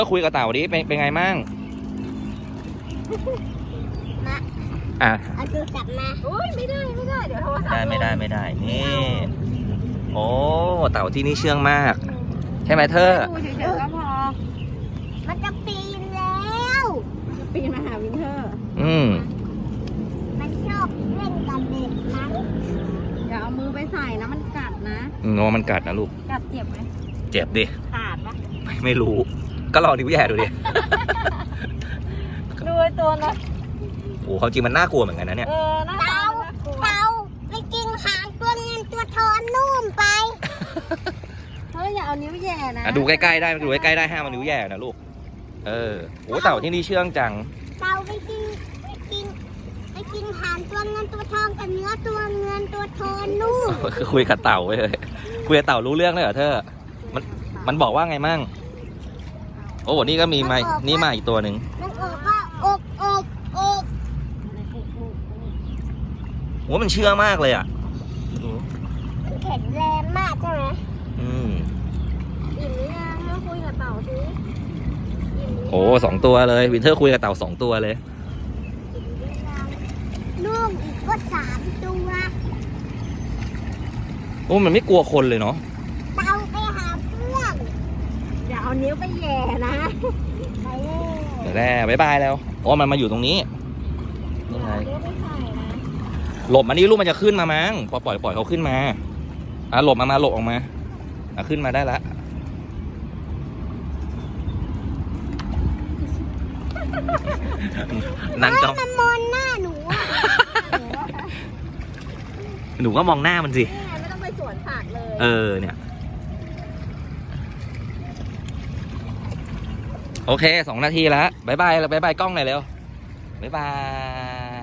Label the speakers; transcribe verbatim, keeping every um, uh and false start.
Speaker 1: ก็คุยกับเต่าดิเป็นเป็นไงมั่ง
Speaker 2: มา
Speaker 1: อ่ะ
Speaker 2: เอาดูกลับมาโอ้ยไม่ได้ไม่ได้เดี๋ยวโทรศัพท์
Speaker 1: ได้ไม่ได้ไม่ได้นี่โอ้เต่าที่นี่เชื่องมากใช่ไหมเธอ
Speaker 3: ดูเฉยๆก็พอ
Speaker 2: มันจะปีนแล้ว
Speaker 3: ปีนมาหาวินเทอร์
Speaker 1: อืม
Speaker 2: มันชอบเล่นกับเด็กมั้ง
Speaker 3: อย่าเอามือไปใส่นะมันกัดนะ
Speaker 1: งอมันกัดนะลูก
Speaker 3: กัดเจ็บไหม
Speaker 1: เจ็บดิ
Speaker 3: ขาดปะ
Speaker 1: ไม่ไม่รู้ก็ลองนิ้วแย่ดูดิ
Speaker 3: ดูไอ้ตัวนะ
Speaker 1: โอ้เขาจริงมันน่ากลัวเหมือนกันนะเนี่ย
Speaker 3: เออน่า
Speaker 2: เต่าเต่าไปกินหางตัวเงินตัวทอนนุ่มไป
Speaker 3: เฮ้ยอย่าเอานิ้วแย่นะ
Speaker 1: ดูใกล้ๆได้ดูใกล้ๆได้ห้ามมันนิ้วแย่นะลูกเออโอ้เต่าที่นี่เชื่องจัง
Speaker 2: เต่าไปกินไปกินไปกินหางตัวเงินตัวทองกับเนื้อตัวเงินตัวทอนนุ่ม
Speaker 1: คือคุยกับเต่าไปเลยคุยกับเต่ารู้เรื่องเลยเหรอเธอมันมันบอกว่าไงมั่งโอ้นี่ก็มีมานี่มาอีกตัวหนึ่ง
Speaker 2: มันบอกว่าอกอกอก
Speaker 1: โอ้มันเชื่องมากเลยอ่ะ
Speaker 2: มันแข็งแรงมากใช่ไหม
Speaker 1: อืม
Speaker 3: อิ่มหรือยังมาคุยกับเต่าสิ
Speaker 1: โอ้สองตัวเลยวินเทอร์คุยกับเต่าสองตัวเลย
Speaker 2: ลูกอีกก็สามตัว
Speaker 1: โอ้มันไม่กลัวคนเลยเนาะ
Speaker 2: เต่าไปหาเพื่อน
Speaker 3: อย่าเอานิ้วไปแย่นะ
Speaker 2: ไปเลย
Speaker 1: เดี๋ยวแร่บายบายแล้วอ๋อมันมาอยู่ตรงนี้นี่ไงหลบมานี่ลูกมันจะขึ้นมามั้งพอปล่อยปล่อยเขาขึ้นมาอ่ะหลบมามาหลบออกมาอ่ะขึ้นมาได้ละนั่งจ้อง
Speaker 2: มันมองหน้าหนูอ่ะ
Speaker 1: หนูก็มองหน้ามันสิ
Speaker 3: ไม่ต้องไปสวนสัตว์เลย
Speaker 1: เออเนี่ยโอเคสองนาทีแล้วบายบายแล้วบายบายกล้องหน่อยเร็วบายบาย